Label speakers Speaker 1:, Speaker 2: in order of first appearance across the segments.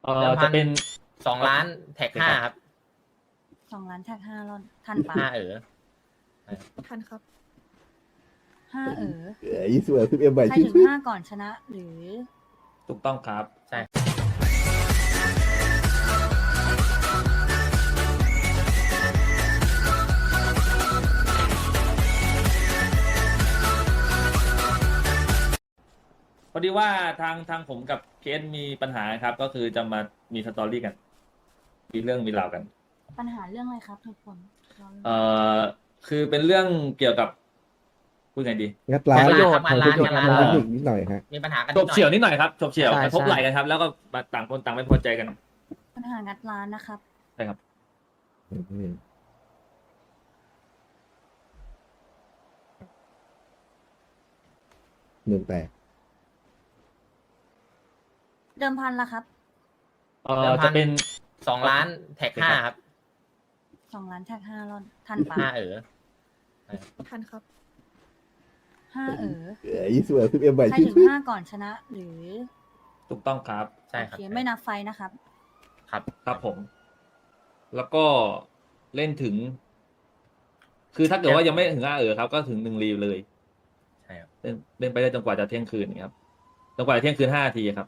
Speaker 1: เดิมพั
Speaker 2: จะ
Speaker 1: น
Speaker 2: เป็น
Speaker 1: 2 ล้านแท็ก 5ครับ
Speaker 3: 2 ล้านแท็ก5 รอนทันปะ
Speaker 4: ทันครับ
Speaker 3: 5
Speaker 5: 20 10M ใบ
Speaker 3: ใคร
Speaker 5: ชื่
Speaker 3: ถึ
Speaker 5: อง
Speaker 3: 5 ก่อนชนะ หรือ
Speaker 2: ถูกต้องครับ
Speaker 1: ใช่
Speaker 2: พอดีว่าทางผมกับเคสมีปัญหาครับ ก็คือจะมามีสตอรี่กัน มีเรื่องมีราวกัน
Speaker 3: ปัญหาเรื่องอะไรครับทุกคน
Speaker 2: คือเป็นเรื่องเกี่ยวกับพูดไงดี
Speaker 5: งัดร้าน
Speaker 1: ประโยชน์
Speaker 5: ทางเทคนิค
Speaker 1: งัดร้าน
Speaker 5: ทางเทคนิคนิดหน่อยฮะ
Speaker 1: มีปัญหากัน
Speaker 2: ฉบเฉี่ยวนิดหน่อยครับฉบเฉี่ยว
Speaker 4: ใช่
Speaker 2: กระทบ
Speaker 4: ใช่
Speaker 2: ไหล่กันครับ แล้วก็ต่างคนต่างไม่พอใจกัน
Speaker 3: ปัญหางัดร้านนะครับ
Speaker 2: ใช่ครับ
Speaker 5: เมืองแตก
Speaker 3: เดิมพันละครับ
Speaker 2: จะเป็น
Speaker 1: 2 ล้านแท็ก 5ครับ
Speaker 3: 2 ล้านแท็ก5 รอนทันปะ
Speaker 4: ทันครับ
Speaker 3: 5
Speaker 5: 20 10M ใบ
Speaker 3: ใคร
Speaker 5: ชื่
Speaker 3: ถึ
Speaker 5: อง
Speaker 3: 5 ก่อนชนะ หรือ
Speaker 2: ถูกต้องครับ
Speaker 1: ใช่
Speaker 3: โอ
Speaker 1: ครับ
Speaker 3: เคไม่นับไฟนะครับ
Speaker 1: ครับ
Speaker 2: ครับผม แล้วก็เล่นถึง คือถ้าเกิดว่ายังไม่ถึงครับ ก็ถึง1 รีวเลย
Speaker 1: ใช่ครับ
Speaker 2: เล่นไปได้จนกว่าจะเที่ยงคืนครับจนกว่าจะเที่ยงคืน5 นาทีครับ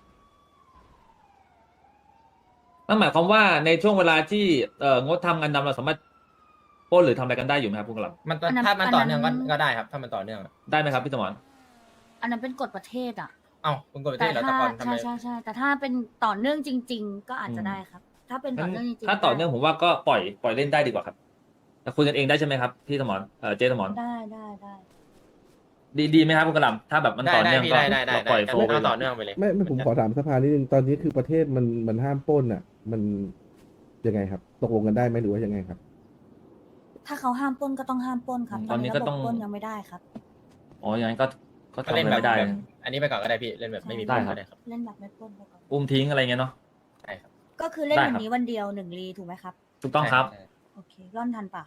Speaker 2: นั่นหมายความว่าในช่วงเวลาที่งดทำงานดำเราสามารถปล้นหรือทำอะไรกันได้อยู่ไหมครับพวกเรา
Speaker 3: อันนั้น
Speaker 1: ถ้ามันต่อเนื่อง
Speaker 3: อันนั้น
Speaker 1: ก็ได้ครับ ถ้ามันต่อเนื่อง
Speaker 2: ได้ไหมครับพี่สมร
Speaker 3: อันนั้นเป็นกฎประเทศอ่ะ
Speaker 1: เอ้าคุณกดประเท
Speaker 3: แต่
Speaker 1: ศเหรอ
Speaker 3: ถ้า
Speaker 1: แต่ก่อนทำไม
Speaker 3: ใช่แต่ถ้าเป็นต่อเนื่องจริง ๆ ก็อาจจะได้ครับ ถ้าเป็นต่อเนื่องจริงๆ
Speaker 2: ถ้าต่อเนื่องผมว่าก็ปล่อยเล่นได้ดีกว่าครับแต่คุยกันเองได้ใช่ไหมครับพี่สมรเจสมร
Speaker 3: ได้
Speaker 2: ดีไหมครับคุณกระหลำถ้าแบบมัน
Speaker 1: ได้
Speaker 2: ต่อ
Speaker 1: ได้
Speaker 2: เนื่อง
Speaker 1: พี่
Speaker 2: ก็
Speaker 1: ได้
Speaker 2: เราปล่อยโฟลว์ไป
Speaker 1: เอาต่อเนื่องไปเลย
Speaker 5: ไม่ผมขอถามสภานิดนึงตอนนี้คือประเทศมันห้ามปล้นอ่ะ มันยังไงครับ ตกลงกันได้ไหมหรือว่ายังไงครับ
Speaker 3: ถ้าเขาห้ามปล้นก็ต้องห้ามปล้นครับ
Speaker 2: ตอนนี้ก็
Speaker 3: ระบบ
Speaker 2: ต้อง
Speaker 3: ปล้นยังไม่ได้ครับ
Speaker 2: อ๋ออย่างนั้นก็
Speaker 1: ก็
Speaker 2: ทำอะ
Speaker 1: เล่น
Speaker 2: ไร
Speaker 1: แบบ
Speaker 2: ไม่ได้
Speaker 1: แบบอันนี้ไปก่อนก็ได้พี่ เล่นแบบไม่มี
Speaker 2: ได้
Speaker 1: ปล้น
Speaker 2: ครับ
Speaker 1: ก็ได้ครับ
Speaker 3: เล่นแบบไม่ปล้นไปก่อน
Speaker 2: อุ้มทิ้งอะไรเงี้ยเนาะ
Speaker 1: ใช่ครับ
Speaker 3: ก็คือเล่น
Speaker 2: ได้
Speaker 3: วัน
Speaker 2: ครับ
Speaker 3: นี้วันเดียว1 รีถูกไหมครับ
Speaker 2: ถูกต้องครับ
Speaker 1: ใช่
Speaker 3: โอเคร่อนทันปะ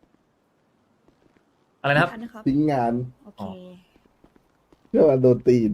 Speaker 2: อะไรนะครับ
Speaker 4: ทันครับ
Speaker 5: ทิ้งงาน
Speaker 3: โอ
Speaker 2: อ๋
Speaker 3: เค
Speaker 2: อ
Speaker 5: เพื่อมาโดนตีน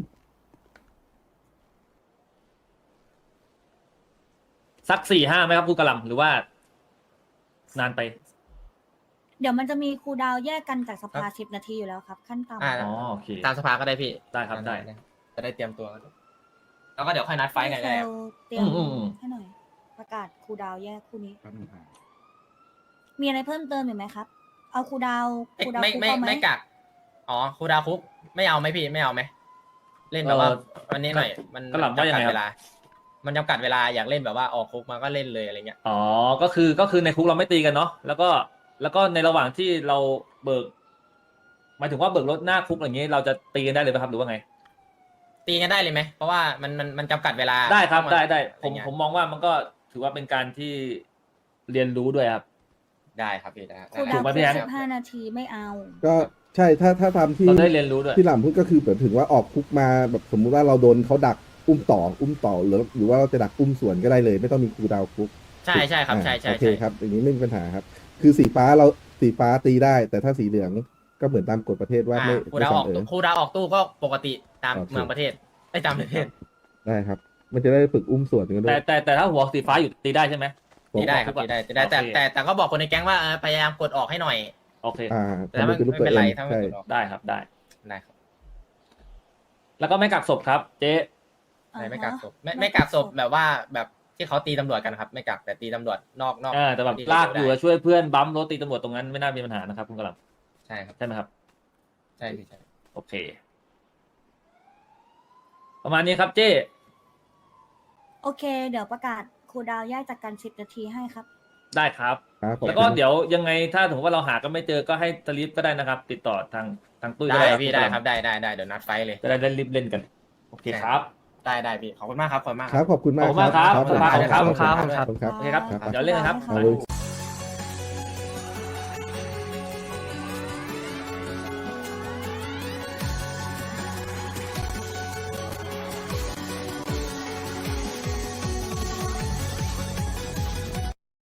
Speaker 2: สัก4-5ไหมครับคุณกระหลำหรือว่า นานไป
Speaker 3: เดี๋ยวมันจะมีครูลดาวน์แยกกันจากสภา10 นาทีอยู่แล้วครับ ขั้นต่ำ
Speaker 2: อ๋อโอเค
Speaker 1: ตามสภาก็ได้พี่
Speaker 2: ได้ครับได้
Speaker 1: จะได้เตรียมตัว แล้วก็เดี๋ยวค่อยนัดไฟท์กันก็ได้ครับ
Speaker 3: เตรียม
Speaker 2: อืม
Speaker 3: ให้หน่อย ประกาศครูลดาวน์แยกคู่นี้ มีอะไรเพิ่มเติมอีกไหมครับ เอาครูดาวคุกเอาไหม
Speaker 1: ไม่กัก อ๋อครูดาวคุก ไม่เอาไหมพี่ ไม่เอาไหม เล่นแบบว่าวันนี้หน่อย มัน
Speaker 2: กระหล่ำว่ายังไงครับ
Speaker 1: เวลา มันจำกัดเวลาอยากเล่นแบบว่าออกคุกมาก็เล่นเลยอะไรเงี้ย
Speaker 2: อ๋อก็คือในคุกเราไม่ตีกันเนาะแล้วก็ในระหว่างที่เราเบิกหมายถึงว่าเบิกรถหน้าคุกอย่างนี้เราจะตีกันได้เลยไหมครับหรือว่าไง
Speaker 1: ตีกันได้เลยไหม เพราะว่ามันจำกัดเวลา
Speaker 2: ได้ครับได้ผม
Speaker 1: อะไรเงี้ย
Speaker 2: มองว่ามันก็ถือว่าเป็นการที่เรียนรู้ด้วยครับ
Speaker 1: ได้ครับพี่ได้
Speaker 3: ครู
Speaker 1: ได้
Speaker 3: ดาว
Speaker 2: ถูกไหม
Speaker 3: คุ
Speaker 2: พี่
Speaker 3: ก
Speaker 2: แอน
Speaker 3: 15 นาทีไม่เอา
Speaker 5: ก็ใช่ถ้าทำที่
Speaker 2: เราได้เรียนรู้ด้วย
Speaker 5: ที่หล่ำพูดก็คือแบบถึงว่าออกคุกมาแบบสมมุติว่าเราโดนเขาดักอุ้มต่อหรือว่าเราจะดักอุ้มสวนก็ได้เลย ไม่ต้องมีครูดาวคุก
Speaker 1: ใช่ใช่ครับใช่ใช่
Speaker 5: โอเค
Speaker 1: ใช่
Speaker 5: ครับอย่างนี้ไม่มีปัญหาครับ คือสีฟ้าตีได้ แต่ถ้าสีเหลืองก็เหมือนตามกฎประเทศว่าไม่
Speaker 1: ครูดาวออก
Speaker 5: ไม่
Speaker 1: ตู้ครูดาวออกตู้ก็ปกติตาม
Speaker 5: โอเค
Speaker 1: เมืองประเทศไอ้ตามประเทศ
Speaker 5: ได้ครับ มันจะได้ฝึกอุ้มสวนกันด้ว
Speaker 2: แต่
Speaker 5: ย
Speaker 2: แต่ถ้าหัวสีฟ้าอยู่ตีได้ใช่ไหม
Speaker 1: ตีได้ครับตีได้ตีได้แต่
Speaker 2: โอเค
Speaker 1: แต่ก็บอกคนในแก๊งว่าพยายามกดออกให้หน่อย
Speaker 2: โอเค
Speaker 1: แต่ถ้ามัน
Speaker 5: ทำเป็นรูป
Speaker 1: ไม่
Speaker 5: ตัว
Speaker 1: เป็น
Speaker 5: เอ
Speaker 1: ไรง ถ้ามัน
Speaker 5: ใช่
Speaker 1: กดออก
Speaker 2: ได้ครับได้
Speaker 1: ได้ครับ
Speaker 2: แล้วก็ไม่กักศพครับ เจ๊
Speaker 1: ไม่กักศพไม่กักศพแบบว่าแบบที่เขาตีตำรวจกันครับ ไม่กักแต่ตีตำรวจนอก
Speaker 2: แต่แบบ
Speaker 1: ที่
Speaker 2: ลากอยู่
Speaker 1: ได้
Speaker 2: แล้วช่วยเพื่อนบัมรถตีตำรวจตรงนั้นไม่น่ามีปัญหานะครับคุณกระหล
Speaker 1: ใช่ครับ
Speaker 2: ำใช่ไหมครับ
Speaker 1: ใช่พี่ใช่
Speaker 2: โอเค ประมาณนี้ครับเจ๊
Speaker 3: โอเค เดี๋ยวประกาศครูดาวน์แยกจากกัน10 นาทีให้ครับ
Speaker 2: ได้ครับ
Speaker 5: ครับผม
Speaker 2: แล้วก็เดี๋ยวยังไงถ้าถึงว่าเราหากันไม่เจอก็ให้สลิปก็ได้นะครับ ติดต่อทางตุ้ยก็
Speaker 1: ได้
Speaker 2: ได้
Speaker 1: พี่ได้ครับได้เดี๋ยวนัดไฟเลย
Speaker 2: จะได้รีบเล่นกัน โอเคครับ
Speaker 1: ได้พี่ขอบคุณมากครับขอบคุณมาก
Speaker 5: ครับขอบคุณมาก
Speaker 2: ขอบคุณมากครับ
Speaker 5: ขอบคุณ
Speaker 2: ขอบคุณครับ
Speaker 5: ขอบคุณครับ
Speaker 2: โอเคครับ
Speaker 5: ครับ
Speaker 2: เดี๋ยวเล่นกันครับ
Speaker 5: ขอบคุณ